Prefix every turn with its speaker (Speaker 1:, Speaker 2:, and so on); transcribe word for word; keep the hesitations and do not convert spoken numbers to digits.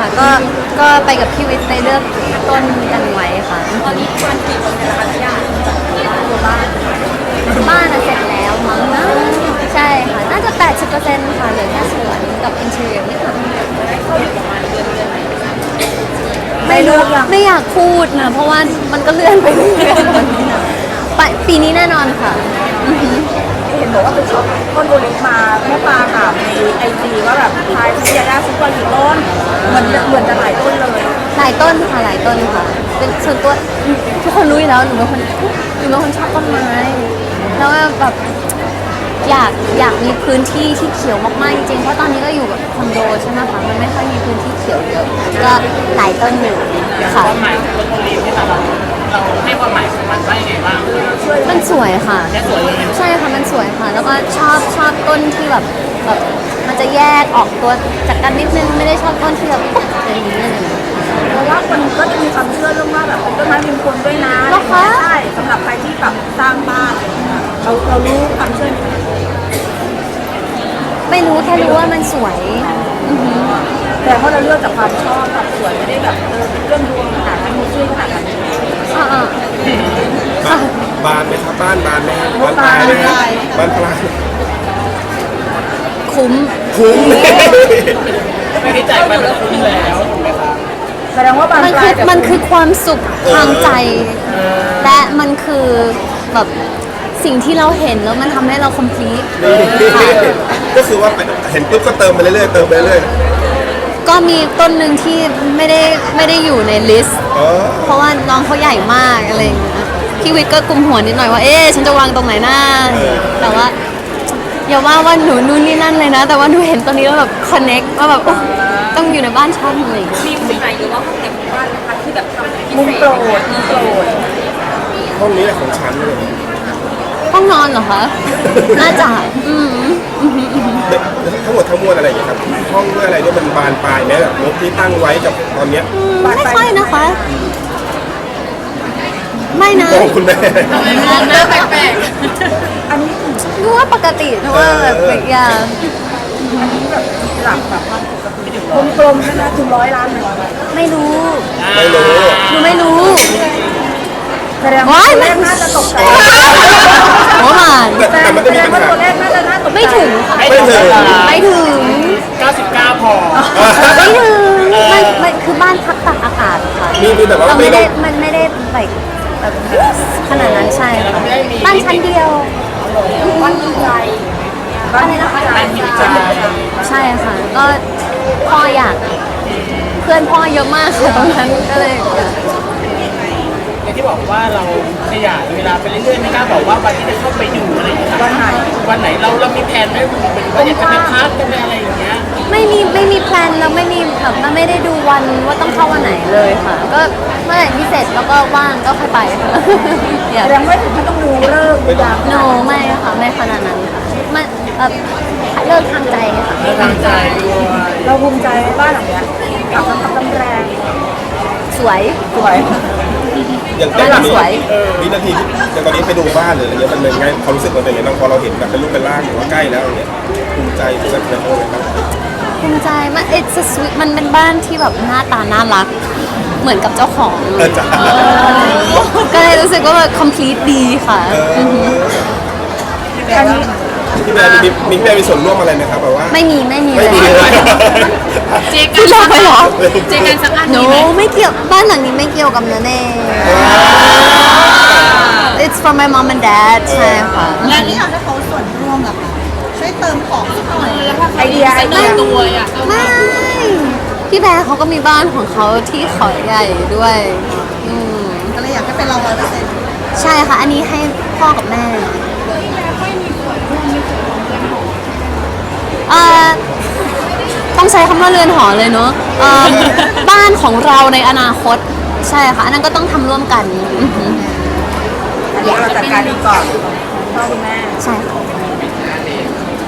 Speaker 1: ค่ะก็ก็ไปกับพี่วิทย์ไปเลือกต้นกันไว้ค่ะตอนนี้วันกี่คนแล้วคะญาติตัวบ้านบ้านเสร็จแล้วมั้งนะใช่ค่ะน่าจะ แปดสิบเปอร์เซ็นต์ ค่ะเหลือแค่สวนกับอินเทอร์เนียนิดหน่อยไม่รู้ไม่อยากพูดนะเพราะว่ามันก็เลื่อนไปเรื่อยๆไปปีนี้แน่นอนค่ะ
Speaker 2: เห็นบอกว่าไปช็อปต้นโอลิฟมาแม่ปลาถามในไอจีว่าแบบทายที่ยาด้าซุปเปอร์กี่ต้นเหมือนเหมือนจะหลายต้นเลย
Speaker 1: หลายต้นค่ะหลายต้นค่ะเป็นส่วนตัวทุกคนรู้อยู่แล้วหนูเป็นคนหนูเป็นคนชอบต้นไม้แล้วแบบอยากอยากมีพื้นที่ที่เขียวมากๆจริงๆเพราะตอนนี้ก็อยู่แบบคอนโดใช่ไหมคะมันไม่ค่อยมีพื้นที่เขียวเยอะก็หลายต้นอยู่ค่ะ
Speaker 3: ความหมายของต้นโอลีฟที่เราเราให้ความหมายของมันว่ายังไงบ้าง
Speaker 1: มันสวยค่ะ
Speaker 3: แค่สวยเลย
Speaker 1: ใช่ค่ะมันสวยค่ะแล้วก็ชอบชอบต้นที่แบบแบบมันจะแยกออกตัวจากกันนิดนึงไม่ได้ชอบต้นที่แบบปุ๊บอย่างนี้เลย
Speaker 2: เพราะว่าคนก็จะมีความเชื่อเรื่องว่าแบบเป็นต้นไม้มงคลด้วยนะใช่สำหรับใครที่แบบสร้างบ้านเราเรารู้ความเชื่อ
Speaker 1: ไม่รู้แค่รู้ว่ามันสวย
Speaker 2: แต่เพราะเราเลือกจากความชอบกับสวยไม่ได้แบบเออเรื่องดวงขนาดนั้นมีชื่อขนาดนั้น
Speaker 1: อ่า
Speaker 4: บานไหมครับบ้านบานไหมบานปลายไหมบ้านปลาย
Speaker 1: คุ้ม
Speaker 4: คุ้ม
Speaker 3: ไม่ได้จ่ายไปแล้วคุ้มแล้วถูกไหมคะ
Speaker 2: แสดงว่าบานปลาย
Speaker 1: มันคือความสุขทางใจและมันคือแบบสิ่งที่เราเห็นแล้วมันทำให้เรา complete
Speaker 4: ก็คือว่าเห็นปุ๊บก็เติมไปเรื่อยๆเติมไปเรื่อย
Speaker 1: ๆก็มีต้นหนึ่งที่ไม่ได้ไม่ได้อยู่ในลิสต์เพราะว่าน้องเขาใหญ่มากอะไรอย่างเงี้ยพี่วิทย์ก็กุมหัวนิดหน่อยว่าเอ๊ะฉันจะวางตรงไหนหน้าแต่ว่าอย่าว่าว่าหนูนู่นนี่นั่นเลยนะแต่ว่าหนูเห็นตอนนี้แล้วแบบ connect ว่าแบบต้องอยู่ในบ้านฉันเลย
Speaker 2: มีมุมไหนหรือว่าห้องไหนของบ้านนะคะที่แบบทำมุมโปรดมุมโปรด
Speaker 4: ห้องนี้แหละของฉันเลย
Speaker 1: ห้องนอนเหรอคะน่าจะอืม
Speaker 4: ทั้งหมดทั้งมวลอะไรอย่างเงี้ยครับห้องด้วยอะไรด้วยมันบานปลายไหมแบบงบที่ตั้งไว้กับตอนเนี้ย
Speaker 1: ไม่ค่อยนะคะไม่นะ
Speaker 4: คุณแม่
Speaker 1: หน้าแปลกๆอันนี้ดูว่าปกตินะว่าแบบอย่าง
Speaker 2: แบบหลักแบบกลมๆนะถึงร้อยล้านเลย
Speaker 1: ไม่รู้
Speaker 4: ไม่รู้
Speaker 1: หนูไม่รู้
Speaker 2: แสดงว่าตัวเลขน่าจะตกใจ
Speaker 1: โอ้มา
Speaker 2: แต่แสดงว่าตัวเลขน่าจะน่าตกใจ
Speaker 1: ไม่ถึง
Speaker 4: ไม่ถึง
Speaker 1: ไม่ถึง
Speaker 3: เก้าสิบเก้าพอ
Speaker 1: ไม่ถึงมันมันคือบ้านพักตากอากาศค่ะเราไม่ได้มันไม่ได้แบบแบบขนาดนั้นใช่ค่ะบ้านชั้นเดียว
Speaker 2: บ้านใจบ้านนะคะ
Speaker 1: ใช่ค่ะก็พ่ออยากเพื่อนพ่อเยอะมากค่ะตรงนั้นก็เลย
Speaker 3: อย่างที่บอกว่าเราขยายเวลาไปเรื่อยๆไม่กล้าบอกว่าวันที่จะเข้าไปอยู่อะไรอย่างเงี้ย
Speaker 2: วันไหน
Speaker 3: วันไหนเราเรามีแผนไหมเป็นว่าอยากจะไปพักจะไปอะไรอย่างเงี้ย
Speaker 1: ไม่มีไม่มีแพลนแล้วไม่มีแบบมันไม่ได้ดูวันว่าต้องเข้าวันไหนเลยค่ะก็เมื่อไหร่ที่เสร็จแล้วก็ว่างก็ค่อยไปค่ะ
Speaker 2: แสดงว่าถึงต้องดูเลิก
Speaker 1: ยามโนไม่ค่ะไม่ขนาดนั้นค่ะมันแบบเลิกทางใจค่ะ
Speaker 3: เลิกทางใจ
Speaker 2: เราภูมิใจบ้านหลังเนี้ยกับน้ำพักน้ำแรง
Speaker 1: สวย
Speaker 2: สวย
Speaker 4: อย่างตอนนี้วินาทีที่อย่างตอนนี้ไปดูบ้านหรืออะไรเงี้ยมันเป็นไงความรู้สึกมันเป็นยังไงบ้างพอเราเห็นแบบเป็นรูปเป็นร่างหรือว่าใกล้แล้วอย่างเงี้ยภูมิใจหรือว่าเป็นอะไรบ้าง
Speaker 1: ภูมิใจมัน it's a sweet มันเป็นบ้านที่แบบหน้าตาน่ารักเหมือนกับเจ้าของก็เลยรู้สึกว่าแบบ complete ดีค่ะ
Speaker 4: พี่แม่มีมีแม่มีส่วนร่วมอะไรไหมครับแบบว่า
Speaker 1: ไม่มีไม่มี
Speaker 4: ไม่มีเลย
Speaker 1: เจ๊กันสักอันหรอเจ๊กันสักอันนี้ไหมไม่เกี่ยวบ้านหลังนี้ไม่เกี่ยวกับเนเน่ it's from my mom and dad ใช่ค่ะ
Speaker 2: งานนี้อยากให้เขาส่วนร่วมเหรอคะช่วยเติมของสักหน่อยไอเดียไอเดีย
Speaker 1: ตัวอ่ะไม่พี่แบร์เขาก็มีบ้านของเขาที่ขอใหญ่ด้วยอืม
Speaker 2: ก็เลยอยากให้เป็นเราร้อยเปอร์เซ็นต์
Speaker 1: ใช่ค่ะอันนี้ให้พ่อกับแม่ต้องใช้คำว่าเรือนหอเลยเนอะบ้านของเราในอนาคตใช่ค่ะอันนั้นก็ต้องทำร่วมกัน
Speaker 2: อันนี้เราจัดการดีก่อนพ่อคุณแม่
Speaker 1: ใช่ค่ะ